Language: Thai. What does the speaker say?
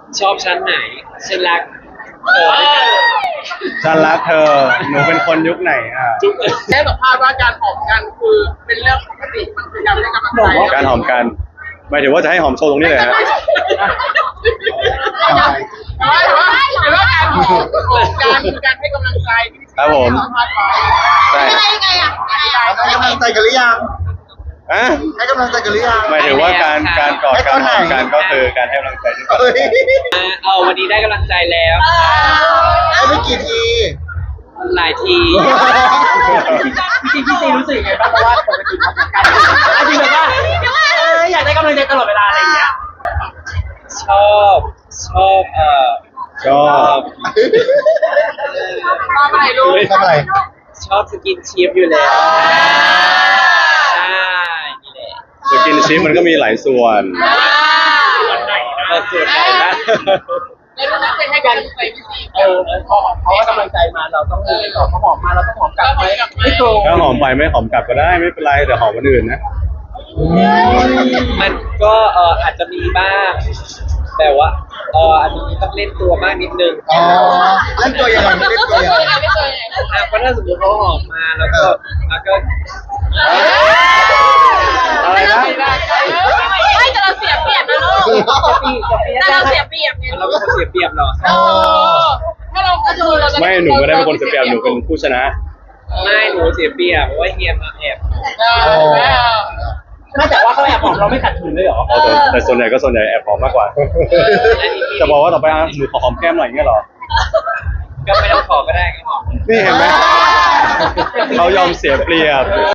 ชอบชั้นไหนฉันรักเธอฉันรักเธอหนูเป็นคนยุคไหนจุ๊บได้สัมภาษณ์ว่าการหอมกันคือเป็นเรื่องปกติมันคือการให้กำลังใจการหอมกันหมายถึงว่าจะให้หอมโชว์ตรงนี้เลยฮะแต่ว่าการหอมการคือการให้กำลังใจที่สัมภาษณ์ไว้ใช่ยังไงอ่ะให้กำลังใจกันหรือยังอะให้กำลังใจกันหรือยังหมายถึงว่าการกอดการหอมกันก็คือการให้กำลังใจที่เฮ้ยวันนี้ได้กำลังใจแล้วให้ไม่กี่ทีหลายทีจริงพี่ซีรู้สึกยังไงบ้างเพราะว่าปกติเขาจัดการจริงแบบว่าอยากได้กำลังใจตลอดเวลาอะไรอย่างเงี้ยชอบชอบมาใหม่ลูกทำอะไรชอบสกินชิปอยู่แล้วใช่นี่แหละสกินชิปมันก็มีหลายส่วนส่วนไหนนะแล้วรู้สึกให้กำลังใจพี่ซีพอเขาให้กำลังใจมาเราต้องตอบเขาหอมมาเราต้องหอมกลับไหมไม่โกงถ้าหอมไปไม่หอมกลับก็ได้ไม่เป็นไรแต่หอมคนอื่นนะมันก็อาจจะมีบ้างแต่ว่าอาจจะมีต้องเล่นตัวมากนิดนึงอ๋อเล่นตัวยังไงเล่นตัวยังไงเพราะถ้าสมมติเขาออกมาแล้วก็ก็อะไรนะไม่แต่เราเสียเปรียบนะลูกแต่เราเสียเปรียบไงเราเป็นคนเสียเปรียบเหรอถ้าเราก็ดูเราจะไม่หนูไม่ได้เป็นคนเสียเปรียบหนูเป็นผู้ชนะไม่หนูเสียเปรียบเพราะว่าเฮียมาแอบไม่แต่ว่าเขาแอบหอมเราไม่ขัดขืนเลยเหรอแต่ส่วนใหญ่ก็ส่วนใหญ่แอบหอมมากกว่า จะบอกว่าต่อไปหนูขอหอมแก้มหน่อยอย่างเงี้ยเหรอก็ไม่ต้องขอก็ได้ก็หอมนี่เห็นไหมเขายอมเสียเปรียบ